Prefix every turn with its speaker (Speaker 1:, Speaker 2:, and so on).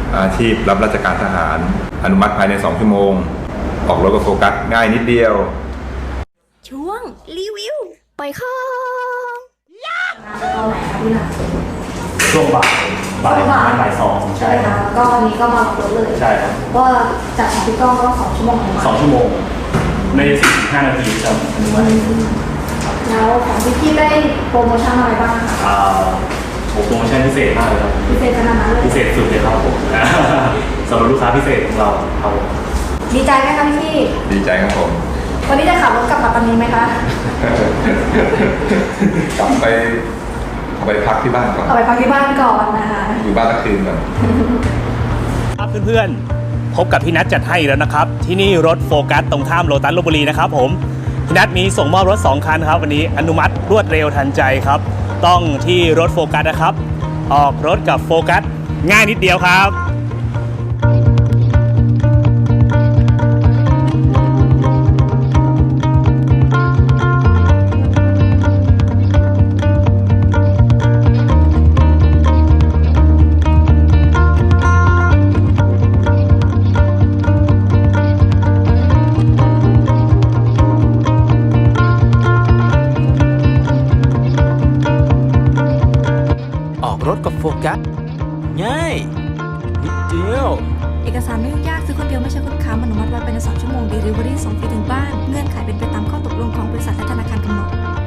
Speaker 1: อาชีพรับราชการทหารอนุมัติภายใน2 ชั่วโมงออกรถกับโฟกัสง่ายนิดเดียว
Speaker 2: ช่วงรีวิวไปค่ะ
Speaker 3: ตอนไหนคะพี่นัท
Speaker 4: ช่วงบ่ายสอง
Speaker 3: ใช่ค่ะแล้วก็อันนี้ก็มาลดเลย
Speaker 4: ใช่ครับ
Speaker 3: ว่าจากของพี่ก้องก็2 ชั่วโมง
Speaker 4: 2 ชั่วโมงใน45 นาทีจะอนุมัติ
Speaker 3: แล้วของพี่ได้โปรโมชั่นอะไรบ้างคะ
Speaker 4: โปรโมชั่นพิเศษมากเลยครับ
Speaker 3: พิเศษขนาดนั้นเลย
Speaker 4: พิเศษสุดเลยครับผมสำหรับลูกค้าพิเศษของเราครับ
Speaker 3: ดีใจไหมคะพี่
Speaker 1: ดีใจครับผม
Speaker 3: วันนี้จะขับรถกลับปัตตานีไหมคะ
Speaker 1: กลับไปพักที่บ้านก่อน
Speaker 3: เอาไปพักที่บ้านก่อนนะคะ
Speaker 1: อยู่บ้านสักคืนก่อน
Speaker 5: ครับเพื่อนๆพบกับพี่นัทจัดให้แล้วนะครับที่นี่รถโฟกัสตรงข้ามโลตัสลพบุรีนะครับผมพี่นัทมีส่งมอบรถ2 คันครับวันนี้อนุมัติรวดเร็วทันใจครับต้องที่รถโฟกัสนะครับออกรถกับโฟกัสง่ายนิดเดียวครับ
Speaker 6: รถกับโฟกัสง่ายนิดเดียว
Speaker 2: เอกสารไม่ยุ่งยากซื้อคนเดียวไม่ใช่คนค้ำอนุมัติไว้ภายใน2 ชั่วโมง Delivery ส่งฟรีถึงบ้านเงื่อนไขเป็นไปตามข้อตกลงของบริษัทและธนาคารกำหนด